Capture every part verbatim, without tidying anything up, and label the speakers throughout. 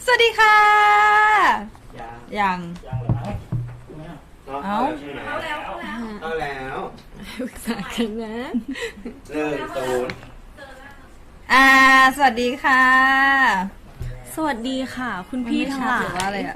Speaker 1: สวัสดีค่ะยัง
Speaker 2: ยังเหรอเอา
Speaker 1: เอาแล้ว
Speaker 3: เอาแล้ว
Speaker 1: ปรึกษากันนะ
Speaker 3: หนึ่งศูนย์
Speaker 1: อ่าสวัสดีค่ะ
Speaker 4: สวัสดีค่ะ คุณพี่ทั้งหลา
Speaker 1: หรือว่าอะไร
Speaker 4: ย
Speaker 1: อ่ะ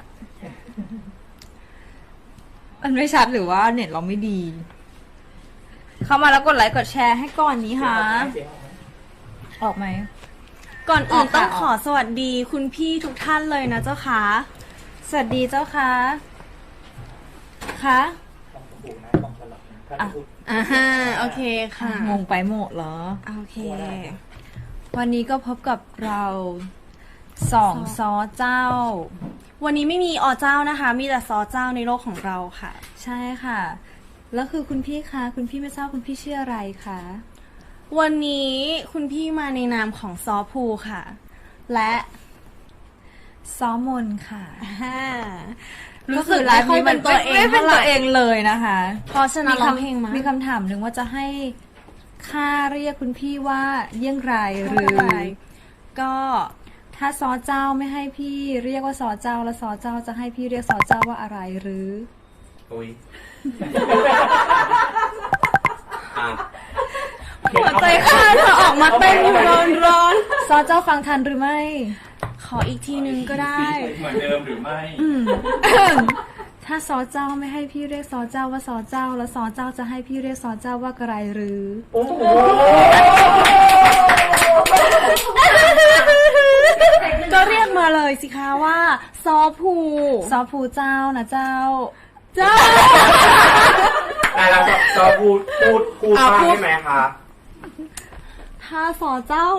Speaker 1: มันไม่ชัดหรือว่าเน็ตเราไม่ดี เข้ามาแล้วกดไลค์กดแชร์ให้ก่อนนี้ค่ะ
Speaker 2: เสียงออกไหม
Speaker 1: ออกไหม
Speaker 4: ก่อนอื่น
Speaker 1: ออกค่ะ
Speaker 4: ต้องขอสวัสดีคุณพี่ทุกท่านเลยนะเจ้าค่ะ
Speaker 1: สวัสดีเจ้าค่ะคะ
Speaker 2: ต้องถูกนะต้องสลับนะถ้า
Speaker 1: อ่ะ
Speaker 2: พูด
Speaker 4: อ่าฮะโอเคค่ะ
Speaker 1: งงไปหมดเหรอ
Speaker 4: โอเค
Speaker 1: วันนี้ก็พบกับเราสองซอเจ้า
Speaker 4: วันนี้ไม่มีอเจ้านะคะ มีแต่ซอเจ้าในโลกของเราค่ะ
Speaker 1: ใช่ค่ะ แล้วคือคุณพี่คะคุณพี่ไม่ทราบคุณพี่ชื่ออะไรคะ
Speaker 4: วันนี้คุณพี่มาในนามของซอภูค่ะ และ
Speaker 1: ซอมนค่ะ
Speaker 4: อ่า
Speaker 1: รู้
Speaker 4: รู้
Speaker 1: สึ
Speaker 4: สึ
Speaker 1: ก
Speaker 4: ก
Speaker 1: ไล
Speaker 4: ไม่
Speaker 1: ฟ์
Speaker 4: ค่อย
Speaker 1: นี้
Speaker 4: เป็
Speaker 1: มัน น
Speaker 4: ตัวเอง
Speaker 1: ไม่เป็น
Speaker 4: เท่าไหร่
Speaker 1: ตัวเองเลยนะคะ
Speaker 4: เพราะฉะนั้นร้องเพลงมา
Speaker 1: มีคำถามหนึ่งว่าจะให้ค่าเรียกคุณพี่ว่าเยี่ยงไรหรือ
Speaker 4: ก็
Speaker 1: ถ้าซอเจ้าไม่ให้พี่เรียกว่าซอเจ้าแล้วซอเจ้าจะให้พี่เรียกซอเจ้าว่าอะไรหรือ
Speaker 3: อุ้ยอ่ะ
Speaker 4: หัวใจข้าเธอออกมาเต้นอยู่ร้อนร้อน
Speaker 1: ซอเจ้าฟังทันหรือไม่
Speaker 4: ขออีกทีนึงก็ได้
Speaker 2: เหมือนเดิมหรือไม่
Speaker 1: ถ้าซอเจ้าไม่ให้พี่เรียกซอเจ้าว่าซอเจ้าแล้วซอเจ้าจะให้พี่เรียกซอเจ้าว่าอะไรหรือ
Speaker 2: โอ้โห
Speaker 4: ก็เรียกมาเลยสิคะว่า ซอภู
Speaker 1: ซอผูเจ้านะเจ้า
Speaker 4: เจ้า
Speaker 3: แต่เราจะจะพูดพูดพูด
Speaker 4: อ่ะ
Speaker 3: บ้าง
Speaker 4: พูด
Speaker 3: ได้ไหมคะ
Speaker 4: ถ้าซอเจ้า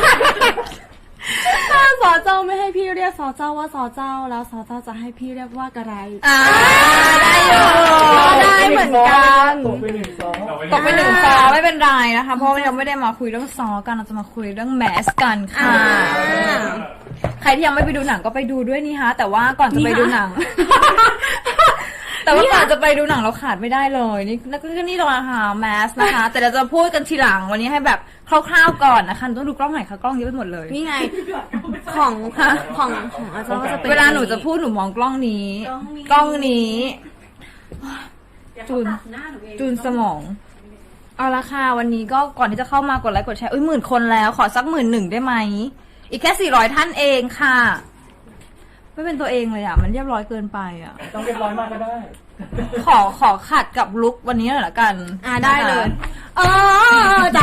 Speaker 4: ถ้าซอเจ้าไม่ให้พี่เรียกซอเจ้าว่าซอเจ้าแล้วซอเจ้าจะให้พี่เรียกว่าอะไร
Speaker 1: อ่าได้อยู่
Speaker 4: ได้เหมือนกัน
Speaker 2: ตกไปหนึ่งสอง
Speaker 1: ตกไปหนึ่งซอไม่เป็นไรนะคะ เพราะว่ายังไม่ได้มาคุยเรื่องซอกันเราจะมาคุยเรื่องแมสกันค่ะ
Speaker 4: อ่า
Speaker 1: ใครที่ยังไม่ไปดูหนังก็ไปดูด้วยนี่ฮะแต่ว่าก่อนจะไปดูหนัง แต่ว่าก่อนจะไปดูหนังเราขาดไม่ได้เลยนี่นั่นก็นี่เราหาแมสนะคะ แต่เราจะพูดกันทีหลังวันนี้ให้แบบคร่าวๆก่อนนะคะต้องดูกล้องไหนคะกล้องเยอะไปหมดเลย
Speaker 4: นี่ไง ของของของอาจารย์ก็จะเป็น
Speaker 1: เวลาหนูจะพูดหนูมองกล้องนี้
Speaker 4: กล้องนี้
Speaker 1: กล้องนี้ จูนจูนสมอง เอาละค่ะวันนี้ก็ก่อนที่จะเข้ามากดไลค์กดแชร์อุ้ยหมื่นคนแล้วขอสักหมื่นหนึ่งได้ไหมอีกแค่สี่ร้อยท่านเองค่ะ ไม่เป็นตัวเองเลยอ่ะ มันเรียบร้อยเกินไปอ่ะ
Speaker 2: ต้องเรียบร้อยมากก็ได้
Speaker 1: ขอขอขัดกับลุควันนี้หน่อยละกัน
Speaker 4: อ่าได้เลย
Speaker 1: เออเจ้า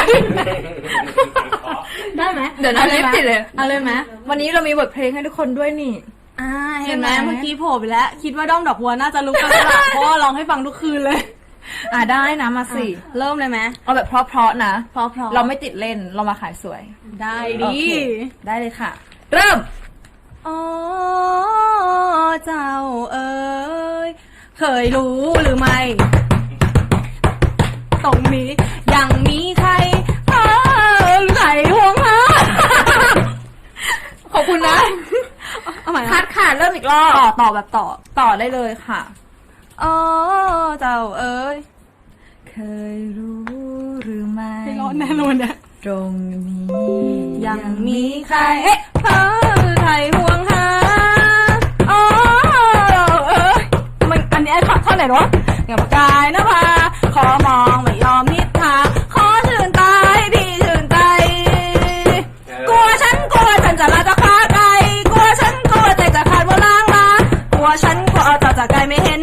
Speaker 1: ได้ไหมเดี๋ยวนะลิฟต์ติดเลย
Speaker 4: เอาเลยไหม
Speaker 1: วันนี้เรามีบทเพลงให้ทุกคนด้วยนี่
Speaker 4: อ่าเห็นไหม
Speaker 1: ใช่ไหม
Speaker 4: เมื่อกี้โผล่ไปแล้ว คิดว่าด้อมดอกบัวน่าจะลุกกันแล้วล่ะ เพราะว่าร้องให้ฟังทุกคืนเลย
Speaker 1: อ่าได้นะมาสิ
Speaker 4: เริ่มเลยไหม
Speaker 1: เอาแบบเพราะๆนะ
Speaker 4: เพราะเพราะ
Speaker 1: เราไม่ติดเล่นเรามาขายสวย
Speaker 4: ได้
Speaker 1: โอ
Speaker 4: ดี
Speaker 1: เคได้เลยค่ะ เริ่ม
Speaker 4: อ๋อเจ้าเอ๋ยเคยรู้หรือไม่ ตรงนี้ยังมีใครเออหรือใครห่วงหา
Speaker 1: ขอบคุณนะ
Speaker 4: เอาใหม่
Speaker 1: คัดค่ะเริ่มอีกรอบต่อต่อแบบต่อต่อได้เลยค่ะ
Speaker 4: อ๋อเจ้าเอ๋ย
Speaker 1: เคยรู้หรือไม่
Speaker 4: ไม่รอดแน่นอนเนี่ย
Speaker 1: ตรงนี้
Speaker 4: ยังมีใครเอ๊ะเออใครห่วงหาอ๋อเอ้ยมันอันนี้ไอ้ท่อนท่อนไหนวะอย่าประกายนะพาขอมองไม่ยอมนิดทาขอชื่นตาให้พี่ชื่นใจ กลัวฉันกลัวฉันจะลาจะพาไกลกลัวฉันกลัวใจจะขาดว่าล้างมากลัวฉันกลัวจะจะไกลไม่เห็น